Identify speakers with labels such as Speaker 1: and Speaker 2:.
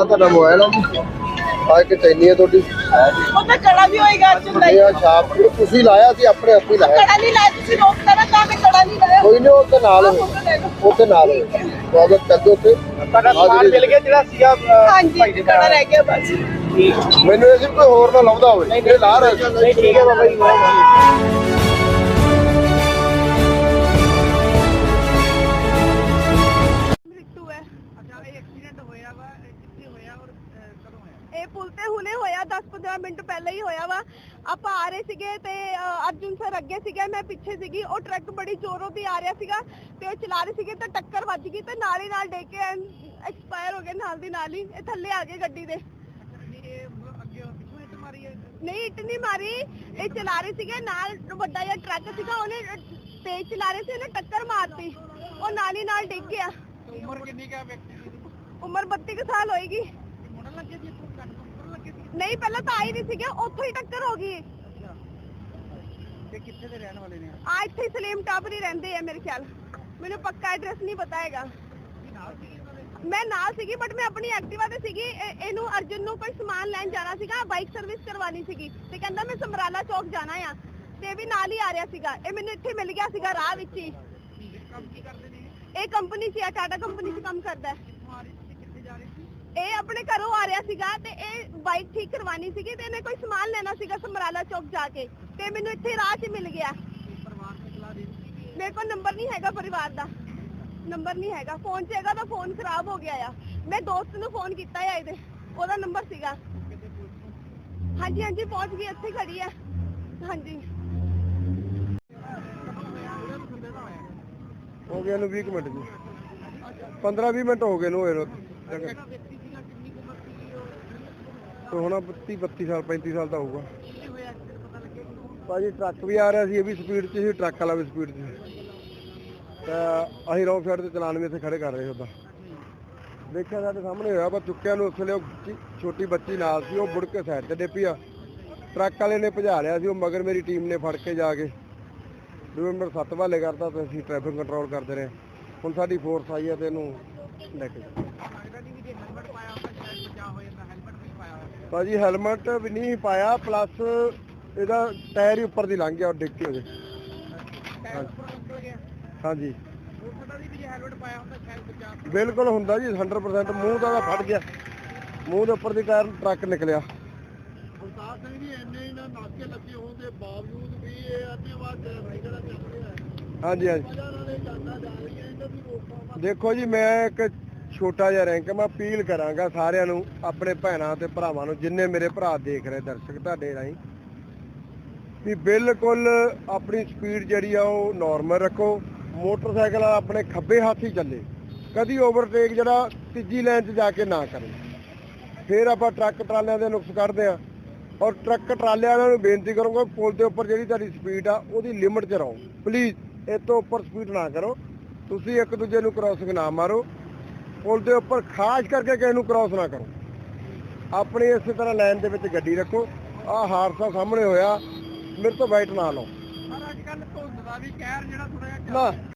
Speaker 1: ਤੁਹਾਡਾ ਮੋਬਾਈਲ ਆ ਜੀ, ਆ ਇੱਕ ਚੈਨੀ ਹੈ ਤੁਹਾਡੀ,
Speaker 2: ਉਹ ਤਾਂ ਕੜਾ ਵੀ ਹੋਏਗਾ ਚੁੰਦਾ
Speaker 1: ਇਹ ਆ ਛਾਪ ਤੁਸੀਂ ਲਾਇਆ ਸੀ, ਆਪਣੇ ਹੱਥੀਂ ਲਾਇਆ।
Speaker 2: ਕੜਾ ਨਹੀਂ ਲਾਇਆ ਤੁਸੀਂ ਰੋਕਦਾ ਨਾ ਤਾਂ ਮੈਂ ਕੜਾ ਨਹੀਂ ਲਾਇਆ।
Speaker 1: ਕੋਈ ਨਹੀਂ, ਉਹਦੇ ਨਾਲ ਉਹਦੇ ਨਾਲ ਸਵਾਗਤ ਕਰਦੇ ਉੱਥੇ।
Speaker 3: ਤੁਹਾਡਾ ਸਮਾਨ ਮਿਲ ਗਿਆ ਜਿਹੜਾ ਸੀਗਾ?
Speaker 2: ਹਾਂਜੀ ਕੜਾ ਰਹਿ ਗਿਆ ਬਸ।
Speaker 1: ਮੈਨੂੰ ਇਹ ਸੀ ਕੋਈ ਹੋਰ ਨਾ ਲੱਭਦਾ ਹੋਵੇ, ਇਹ ਲਾ ਰਿਹਾ ਸੀ।
Speaker 3: ਨਹੀਂ ਠੀਕ ਹੈ ਬਾਬਾ ਜੀ।
Speaker 2: ਇਹ ਪੁਲ ਤੇ ਹੁਣੇ ਹੋਇਆ, 10-15 ਮਿੰਟ ਪਹਿਲਾਂ ਹੀ ਹੋਇਆ ਵਾ। ਆਪਾਂ ਆ ਰਹੇ ਸੀਗੇ ਤੇ ਅਰਜੁਨ ਸਰ ਅੱਗੇ ਸੀਗੇ, ਮੈਂ ਪਿੱਛੇ ਸੀਗੀ। ਉਹ ਟਰੱਕ ਬੜੀ ਜ਼ੋਰੋਂ ਦੀ ਆ ਰਿਹਾ ਸੀਗਾ ਤੇ ਉਹ ਚਲਾ ਰਹੇ ਸੀਗੇ ਤੇ ਟੱਕਰ ਵੱਜ ਗਈ ਤੇ ਨਾਲ ਹੀ ਨਾਲ ਡੇ ਕੇ ਐਕਸਪਾਇਰ ਹੋ ਗਏ ਨਾਲ ਦੀ ਨਾਲ ਹੀ। ਇਹ ਥੱਲੇ ਆ ਗਏ ਗੱਡੀ ਦੇ। ਨਹੀਂ ਇੱਟ ਨਹੀਂ ਮਾਰੀ, ਇਹ ਚਲਾ ਰਹੇ ਸੀਗੇ, ਨਾਲ ਵੱਡਾ ਜਿਹਾ ਟਰੱਕ ਸੀਗਾ, ਉਹਨੇ ਤੇਜ਼ ਚਲਾ ਰਹੇ ਸੀ, ਉਹਨੇ ਟੱਕਰ ਮਾਰਤੀ, ਉਹ ਨਾਲ ਹੀ ਨਾਲ ਡਿੱਗ ਗਿਆ।
Speaker 3: ਉਮਰ ਕਿੰਨੀ ਕਾ ਵਿਅਕਤੀ ਦੀ?
Speaker 2: ਉਮਰ 32 ਕੁ ਸਾਲ ਹੋਏਗੀ। ਨਹੀਂ ਪਹਿਲਾਂ ਤਾਂ ਆਈ ਨਹੀਂ ਸੀਗੇ, ਉੱਥੋਂ ਹੀ ਟੱਕਰ ਹੋ ਗਈ।
Speaker 3: ਤੇ ਕਿੱਥੇ ਦੇ ਰਹਿਣ ਵਾਲੇ ਨੇ?
Speaker 2: ਆ ਇੱਥੇ ਸਲੀਮ ਟਾਵਰ ਹੀ ਰਹਿੰਦੇ ਆ ਮੇਰੇ ਖਿਆਲ, ਮੈਨੂੰ ਪੱਕਾ ਐਡਰੈਸ ਨਹੀਂ ਪਤਾ ਹੈਗਾ। ਮੈਂ ਨਾਲ ਸੀਗੀ ਬਟ ਮੈਂ ਆਪਣੀ ਐਕਟਿਵਾ ਤੇ ਸੀਗੀ। ਇਹਨੂੰ ਅਰਜੁਨ ਨੂੰ ਕੋਈ ਸਮਾਨ ਲੈਣ ਜਾਣਾ ਸੀਗਾ, ਬਾਈਕ ਸਰਵਿਸ ਕਰਵਾਣੀ ਸੀਗੀ ਤੇ ਕਹਿੰਦਾ ਮੈਂ ਸਮਰਾਲਾ ਚੌਕ ਜਾਣਾ ਆ ਤੇ ਇਹ ਵੀ ਨਾਲ ਹੀ ਆ ਰਿਹਾ ਸੀਗਾ। ਇਹ ਮੈਨੂੰ ਇੱਥੇ ਮਿਲ ਗਿਆ ਸੀਗਾ ਰਾਹ ਵਿੱਚ ਹੀ। ਇਹ ਕੰਪਨੀ 'ਚ ਆ, ਟਾਟਾ ਕੰਪਨੀ 'ਚ ਕੰਮ ਕਰਦਾ ਹੈ। ਇਹ ਆਪਣੇ ਘਰੋਂ ਆ ਰਿਹਾ ਸੀਗਾ ਤੇ ਇਹ ਬਾਈਕ ਠੀਕ ਕਰਵਾਣੀ ਸੀਗੀ ਤੇ ਇਹਨੇ ਕੋਈ ਸਮਾਨ ਲੈਣਾ ਸੀਗਾ ਸਮਰਾਲਾ ਚੌਕ ਜਾ ਕੇ ਤੇ ਮੈਨੂੰ ਇੱਥੇ ਰਾਹ 'ਚ ਮਿਲ ਗਿਆ। ਮੇਰੇ ਕੋਲ ਨੰਬਰ ਨਹੀਂ ਹੈਗਾ ਪਰਿਵਾਰ ਦਾ, ਨੰਬਰ ਨਹੀਂ ਹੈਗਾ। ਫੋਨ 'ਚ ਹੈਗਾ ਤਾਂ ਫੋਨ ਖਰਾਬ ਹੋ ਗਿਆ ਆ। ਮੈਂ ਦੋਸਤ ਨੂੰ ਫੋਨ ਕੀਤਾ ਆ, ਇਹਦੇ ਉਹਦਾ ਨੰਬਰ ਸੀਗਾ। ਹਾਂਜੀ ਹਾਂਜੀ ਪਹੁੰਚ ਗਈ, ਇੱਥੇ ਖੜੀ ਹੈ। ਹਾਂਜੀ
Speaker 1: ਹੋ ਗਿਆ ਨੂੰ 20 ਮਿੰਟ ਜੀ, 15-20 ਮਿੰਟ ਹੋ ਗਏ ਨੂੰ ਹੋਏ ਨੂੰ। ਹੁਣ 32 ਸਾਲ 35 ਸਾਲ ਦਾ ਹੋਊਗਾ ਭਾਜੀ। ਟਰੱਕ ਵੀ ਆ ਰਿਹਾ ਸੀ, ਇਹ ਵੀ ਸਪੀਡ 'ਚ ਸੀ, ਟਰੱਕ ਵਾਲਾ ਵੀ ਸਪੀਡ 'ਚ ਸੀ ਤਾਂ ਅਸੀਂ ਰੌਂਗ ਸਾਈਡ ਤੇ ਚਲਾਨ ਵੀ ਇੱਥੇ ਖੜੇ ਕਰ ਰਹੇ ਉੱਦਾਂ ਦੇਖਿਆ ਸਾਡੇ ਸਾਹਮਣੇ ਹੋਇਆ। ਪਰ ਚੁੱਕਿਆ ਨੂੰ ਉਸ ਵੇਲੇ ਉਹ ਛੋਟੀ ਬੱਚੀ ਨਾਲ ਸੀ, ਉਹ ਮੁੜ ਕੇ ਸਾਈਡ ਤੇ ਡਿੱਪੀ ਆ। ਟਰੱਕ ਵਾਲੇ ਨੇ ਭਜਾ ਲਿਆ ਸੀ, ਉਹ ਮਗਰ ਮੇਰੀ ਟੀਮ ਨੇ ਫੜ ਕੇ ਜਾ ਕੇ ਨੰਬਰ 7 ਵਾਲੇ ਕਰਤਾ ਤੇ ਅਸੀਂ ਟ੍ਰੈਫਿਕ ਕੰਟਰੋਲ ਕਰਦੇ ਰਹੇ। ਹੁਣ ਸਾਡੀ ਫੋਰਸ ਆਈ ਹੈ ਤੇ ਇਹਨੂੰ ਲੈ ਕੇ ਭਾਜੀ ਹੈਲਮਟ ਵੀ ਨਹੀਂ ਪਾਇਆ, ਪਲੱਸ ਇਹਦਾ ਟਾਇਰ ਹੀ ਉੱਪਰ ਦੀ ਲੰਘ ਗਿਆ, ਡਿੱਗ ਕੇ ਉਹਦੇ। ਹਾਂਜੀ ਬਿਲਕੁਲ ਹੁੰਦਾ ਜੀ 100%। ਮੂੰਹ ਦਾ ਫਟ ਗਿਆ, ਮੂੰਹ ਦੇ ਉੱਪਰ ਦੀ ਟਾਇਰ ਟਰੱਕ ਨਿਕਲਿਆ। ਹਾਂਜੀ ਹਾਂਜੀ ਦੇਖੋ ਜੀ, ਮੈਂ ਇੱਕ ਛੋਟਾ ਜਿਹਾ ਰੈਂਕ, ਮੈਂ ਅਪੀਲ ਕਰਾਂਗਾ ਸਾਰਿਆਂ ਨੂੰ, ਆਪਣੇ ਭੈਣਾਂ ਤੇ ਭਰਾਵਾਂ ਨੂੰ, ਜਿੰਨੇ ਮੇਰੇ ਭਰਾ ਦੇਖ ਰਹੇ ਦਰਸ਼ਕ ਤੁਹਾਡੇ ਰਾਹੀਂ, ਵੀ ਬਿਲਕੁਲ ਆਪਣੀ ਸਪੀਡ ਜਿਹੜੀ ਆ ਉਹ ਨਾਰਮਲ ਰੱਖੋ। ਮੋਟਰਸਾਈਕਲ ਆਪਣੇ ਖੱਬੇ ਹੱਥ ਹੀ ਚੱਲੇ, ਕਦੀ ਓਵਰਟੇਕ ਜਿਹੜਾ ਤੀਜੀ ਲਾਈਨ 'ਚ ਜਾ ਕੇ ਨਾ ਕਰੇ। ਫਿਰ ਆਪਾਂ ਟਰੱਕ ਟਰਾਲਿਆਂ ਦੇ ਨੁਕਸ ਕੱਢਦੇ ਆ। ਔਰ ਟਰੱਕ ਟਰਾਲਿਆਂ ਨੂੰ ਬੇਨਤੀ ਕਰੂੰਗਾ, ਪੁਲ ਦੇ ਉੱਪਰ ਜਿਹੜੀ ਤੁਹਾਡੀ ਸਪੀਡ ਆ ਉਹਦੀ ਲਿਮਟ 'ਚ ਰਹੋ ਪਲੀਜ਼। ਇਸ ਤੋਂ ਉੱਪਰ ਸਪੀਡ ਨਾ ਕਰੋ। ਤੁਸੀਂ ਇੱਕ ਦੂਜੇ ਨੂੰ ਕ੍ਰਾਸਿੰਗ ਨਾ ਮਾਰੋ। ਪੁਲ ਦੇ ਉੱਪਰ ਖਾਸ ਕਰਕੇ ਕਿਸੇ ਨੂੰ ਕ੍ਰਾਸ ਨਾ ਕਰੋ। ਆਪਣੀ ਇਸੇ ਤਰ੍ਹਾਂ ਲਾਈਨ ਦੇ ਵਿੱਚ ਗੱਡੀ ਰੱਖੋ। ਆਹ ਹਾਦਸਾ ਸਾਹਮਣੇ ਹੋਇਆ, ਮੇਰੇ ਤੋਂ ਵਾਈਟ ਨਾ ਲਓ।
Speaker 3: ਅੱਜ ਕੱਲ ਧੁੰਦ ਦਾ ਵੀ ਕਹਿਰ ਜਿਹੜਾ ਥੋੜਾ ਜਿਹਾ
Speaker 1: ਨਾ